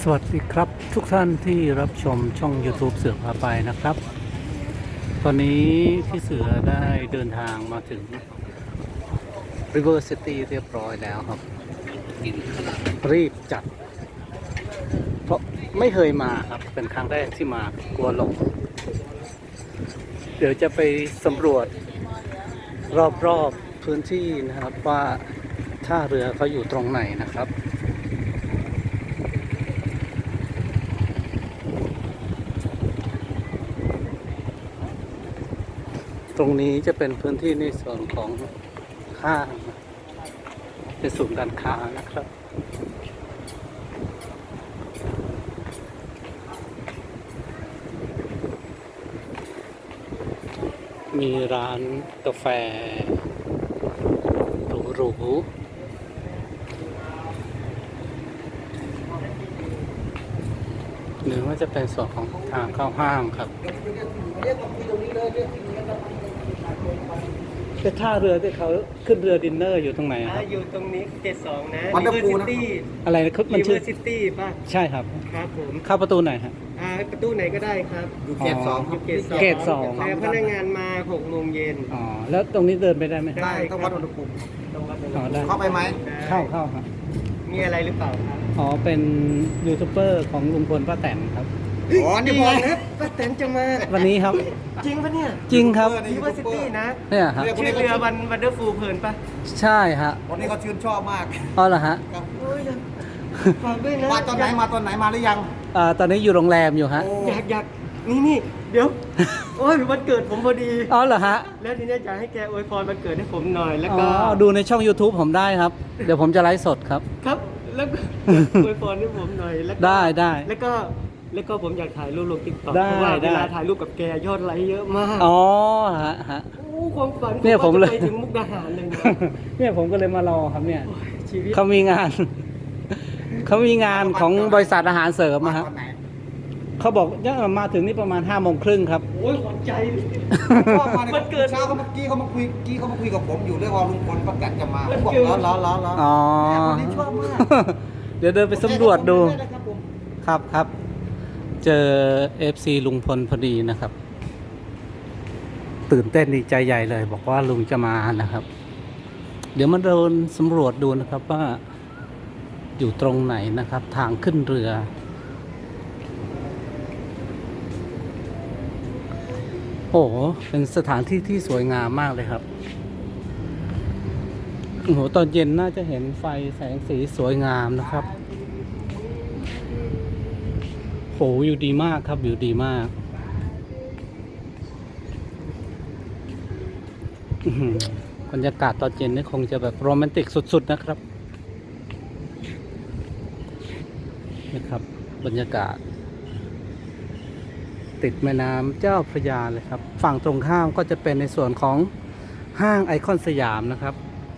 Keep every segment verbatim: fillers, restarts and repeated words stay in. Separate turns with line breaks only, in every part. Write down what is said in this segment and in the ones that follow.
วัสดีครับทุกท่านที่รับชมช่อง YouTube เสือพาไปนะครับตอนนี้พี่เสือได้เดินทางมาถึง River City เรียบร้อยแล้วครับรีบจัดเพราะไม่เคยมาครับเป็นครั้งแรกที่มากลัวหลงเดี๋ยวจะไปสำรวจรอบๆพื้นที่นะครับว่าท่าเรือเขาอยู่ตรงไหนนะครับตรงนี้จะเป็นพื้นที่ในส่วนของห้างเป็นศูนย์การค้านะครับมีร้านกาแฟหรูๆหรือว่าจะเป็นส่วนของทางเข้าห้างครับเป็นท่าเรือที่เขาขึ้นเรือดินเนอร์อยู่ตรงไหนครับ
อยู่ตรงนี้เกตสองนะ
วันเดอร์ฟูลนะ
อะไรนะมันชื่อ
ซิตี้ป่ะ
ใช่ครับ
ครับผม
เข้าประตูไหนฮะ
อ่าประตูไหนก็ได้ครับ
อยู่เกตสองครับ
เกตสอง
เกตสอง
แต่พนักงานมาหกโมงเย็น
อ๋อแล้วตรงนี้เดินไปได้ไหม
ได้ต้องวัดอุณหภูมิ
ต้องวัด
อ๋อได้
เข้าไปไหม
เข้าเข้าครับ
มีอะไรหรือเปล่าครับ
อ๋อเป็นยูทูบเบอร์ของลุงพลป้าแตนครับ
อ๋อนี่
นี่
บอล
นะป้าแตนจะมา
วันนี้ครับ
จริงปะเนี่ย
จริงครับ
ริเวอร์ซิตี้นะ
เนี่ยครับ
ชื่อเรือวันวันเดอร์ฟูลเพลินป่ะ
ใช่ฮะ
วันนี้เขาชื่นชอบมาก
อ๋อเหรอฮะ
ครับ
โอ้ยฝากด้วยนะ
มาตอนไหนมาตอนไหนมาหรือยัง
อ่าตอนนี้อยู่โรงแรมอยู่ฮะ
โอ้
อยากอยากนี่นี่เดี๋ยว โอ้ยวันเกิดผมพอดี
อ๋อเหรอฮะ
แล้วทีนี้อยากให้แกอวยพรวันเกิดให้ผมหน่อยแล้ว
อ๋
ก็
อดูในช่อง YouTube ผมได้ครับ เดี๋ยวผมจะไลฟ์สดครับ
ครับแล้วก็อวยพรให้ผมหน่อยแล้วก็
ได้ได้
แล้วก็แล้วก็ผมอยากถ่ายรูปลงติ๊กต็อก
ได้
เพราะว่า
ได้
เวลาถ่ายรูปกับแกยอดไลค์เยอะมาก
อ๋อฮะฮะ
โอ้ความฝัน
เนี่ยผมเลย
ว่าจะไปถึงมุกดาหารเลยนะ
เนี่ยผมก็เลยมารอครับเนี่ย
โอ้ยชีวิต
เขามีงาน เขามีงานของบริษัทอาหารเสริม
มา
อะครับ
ตอนไหน
เขาบอกจะมาถึงนี่ประมาณห้าโมงครึ่งครับ
โอ้ยหัวใจ
ชอบมาใน
มันเกิด
เช้าเขาเมื่อกี้เขามาคุยกี้เขามาคุยกับผมอยู่เรื่องว่าลุงพลป้าแตนจะมา
มัน
บอก
เกิด
ล้อล้อล้อล้อ
อ๋อ
วันนี้ชอบมาก
เดี๋ยวเดินไปสำรวจดู
ได้นะครับผม
ครับครับ เจอ เอฟ ซี ลุงพลพอดีนะครับ ตื่นเต้นดีใจใหญ่เลย บอกว่าลุงจะมานะครับ เดี๋ยวมาเดินสำรวจดูนะครับว่าอยู่ตรงไหนนะครับ ทางขึ้นเรือ โอ้โหเป็นสถานที่ที่สวยงามมากเลยครับโอ้โหตอนเย็นน่าจะเห็นไฟแสงสีสวยงามนะครับโหอยู่ดีมากครับอยู่ดีมากอื้อหือบรรยากาศตอนเย็นนี่คงจะแบบโรแมนติกสุดๆนะครับนี่ครับบรรยากาศติดแม่น้ำเจ้าพระยาเลยครับฝั่งตรงข้ามก็จะเป็นในส่วนของห้างไอคอนสยามนะครับ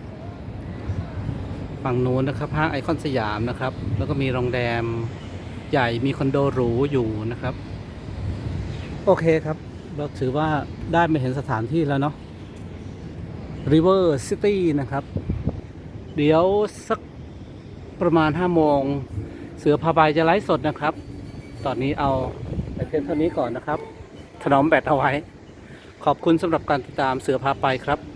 ฝั่งนู้นนะครับห้างไอคอนสยามนะครับแล้วก็มีโรงแรมใหญ่มีคอนโดหรูอยู่นะครับโอเคครับเราถือว่าได้มาเห็นสถานที่แล้วเนาะ River City นะครับเดี๋ยวสักประมาณห้าโมงเสือพาไปจะไลฟ์สดนะครับตอนนี้เอาไปเพียงเท่านี้ก่อนนะครับถนอมแบตเอาไว้ขอบคุณสำหรับการติดตามเสือพาไปครับ